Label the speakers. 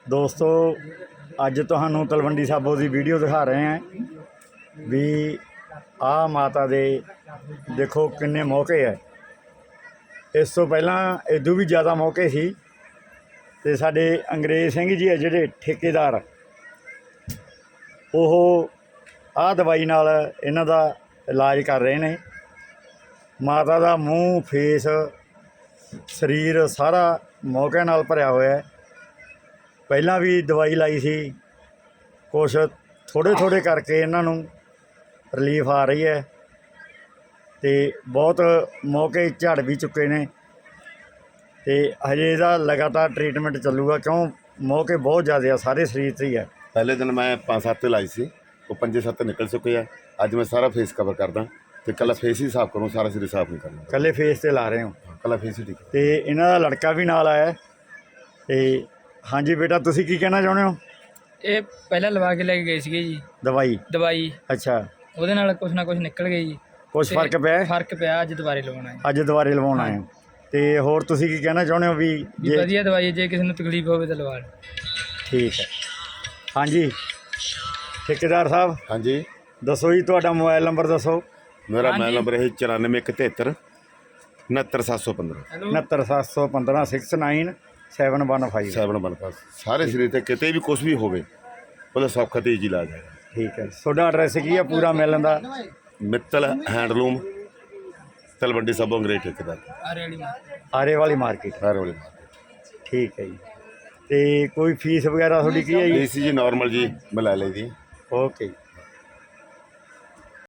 Speaker 1: ਦੋਸਤੋ ਅੱਜ ਤੁਹਾਨੂੰ ਤਲਵੰਡੀ ਸਾਬੋ ਦੀ ਵੀਡੀਓ ਦਿਖਾ ਰਹੇ ਹਾਂ ਵੀ ਆਹ ਮਾਤਾ ਦੇ ਦੇਖੋ ਕਿੰਨੇ ਮੌਕੇ ਹੈ। ਇਸ ਤੋਂ ਪਹਿਲਾਂ ਇਦੋਂ ਵੀ ਜ਼ਿਆਦਾ ਮੌਕੇ ਸੀ ਤੇ ਸਾਡੇ ਅੰਗਰੇਜ਼ ਸਿੰਘ ਜੀ ਹੈ ਜਿਹੜੇ ਠੇਕੇਦਾਰ, ਉਹ ਆਹ ਦਵਾਈ ਨਾਲ ਇਹਨਾਂ ਦਾ ਇਲਾਜ ਕਰ ਰਹੇ ਨੇ। ਮਾਤਾ ਦਾ ਮੂੰਹ ਫੇਸ ਸਰੀਰ ਸਾਰਾ ਮੌਕਿਆਂ ਨਾਲ ਭਰਿਆ ਹੋਇਆ ਹੈ। ਪਹਿਲਾਂ ਵੀ ਦਵਾਈ ਲਾਈ ਸੀ, ਕੁਛ ਥੋੜ੍ਹੇ ਕਰਕੇ ਇਹਨਾਂ ਨੂੰ ਰਿਲੀਫ ਆ ਰਹੀ ਹੈ ਤੇ ਬਹੁਤ ਮੌਕੇ ਝੜ ਵੀ ਚੁੱਕੇ ਨੇ ਤੇ ਹਜੇ ਇਹਦਾ ਲਗਾਤਾਰ ਟ੍ਰੀਟਮੈਂਟ ਚੱਲੂਗਾ ਕਿਉਂ ਮੌਕੇ ਬਹੁਤ ਜ਼ਿਆਦਾ ਆ, ਸਾਰੇ ਸਰੀਰ 'ਤੇ ਹੀ ਹੈ।
Speaker 2: पहले दिन मैं 5-7 लाई सी, वो 5-7 निकल चुके हैं। अज मैं सारा फेस कवर करदा तो कल फेस ही साफ करूँ, सारा सिर साफ नहीं करना।
Speaker 1: ਇਕੱਲੇ ਫੇਸ 'ਤੇ ਲਾ ਰਹੇ ਹੋ
Speaker 2: कल फेस ही ठीक है।
Speaker 1: ਤੇ ਇਹਨਾਂ ਦਾ ਲੜਕਾ ਵੀ ਨਾਲ ਆਇਆ ਤੇ ਹਾਂਜੀ ਬੇਟਾ, ਤੁਸੀਂ ਕੀ ਕਹਿਣਾ ਚਾਹੁੰਦੇ ਹੋ?
Speaker 3: ਇਹ ਪਹਿਲਾਂ ਲਵਾ ਕੇ ਲੈ ਕੇ ਗਏ ਸੀਗੇ ਜੀ ਦਵਾਈ।
Speaker 1: ਅੱਛਾ,
Speaker 3: ਉਹਦੇ ਨਾਲ ਕੁਛ ਨਾ ਕੁਛ ਨਿਕਲ ਗਈ ਜੀ।
Speaker 1: ਕੁਛ
Speaker 3: ਤੇ
Speaker 1: ਫਰਕ ਪਿਆ ਹੈ?
Speaker 3: ਫਰਕ ਪਿਆ, ਅੱਜ ਦੁਬਾਰੇ ਲਵਾਉਣਾ ਹੈ।
Speaker 1: ਅੱਜ ਦੁਬਾਰੇ ਲਵਾਉਣ ਆਏ ਹੋ ਤੇ ਹੋਰ ਤੁਸੀਂ ਕੀ ਕਹਿਣਾ ਚਾਹੁੰਦੇ ਹੋ ਵੀ
Speaker 3: ਵੀ ਵਧੀਆ ਦਵਾਈ, ਜੇ ਕਿਸੇ ਨੂੰ ਤਕਲੀਫ ਹੋਵੇ ਤਾਂ ਲਵਾ ਲਓ।
Speaker 1: ਠੀਕ ਹੈ। ਹਾਂਜੀ ਠੇਕੇਦਾਰ ਸਾਹਿਬ,
Speaker 2: हाँ जी,
Speaker 1: ਦੱਸੋ ਜੀ ਤੁਹਾਡਾ ਮੋਬਾਈਲ ਨੰਬਰ ਦੱਸੋ।
Speaker 2: मेरा
Speaker 3: हाँ
Speaker 2: मोबाइल
Speaker 3: जी।
Speaker 2: नंबर है 94 71 69 715
Speaker 1: 69 715 69715
Speaker 2: 715। सारे शरीर ते किते भी कुछ भी होवे ਉਹਦਾ ਸੌਖਾ ਤੇ ਈਜੀ ਇਲਾਜ ਹੈ।
Speaker 1: ਠੀਕ ਹੈ। ਤੁਹਾਡਾ ਐਡਰੈਸ ਕੀ ਹੈ ਪੂਰਾ ਮਿਲਣ ਦਾ?
Speaker 2: ਮਿੱਤਲ ਹੈਂਡਲੂਮ, ਤਲਵੰਡੀ ਸਾਬੋ ਅੰਗਰੇਜ਼ ਠੇਕੇਦਾਰ,
Speaker 3: ਆਰੇ ਵਾਲੀ ਮਾਰ।
Speaker 1: ਆਰੇ ਵਾਲੀ ਮਾਰਕੀਟ।
Speaker 2: ਹਰ ਵਾਲੇ।
Speaker 1: ਠੀਕ ਹੈ ਜੀ। ਤੇ ਕੋਈ ਫੀਸ ਵਗੈਰਾ ਤੁਹਾਡੀ ਕੀ ਹੈ ਜੀ?
Speaker 2: ਏਸੀ ਜੀ ਨਾਰਮਲ ਜੀ ਮੈਂ ਲੈ ਲਈ ਦੀ।
Speaker 1: ਓਕੇ।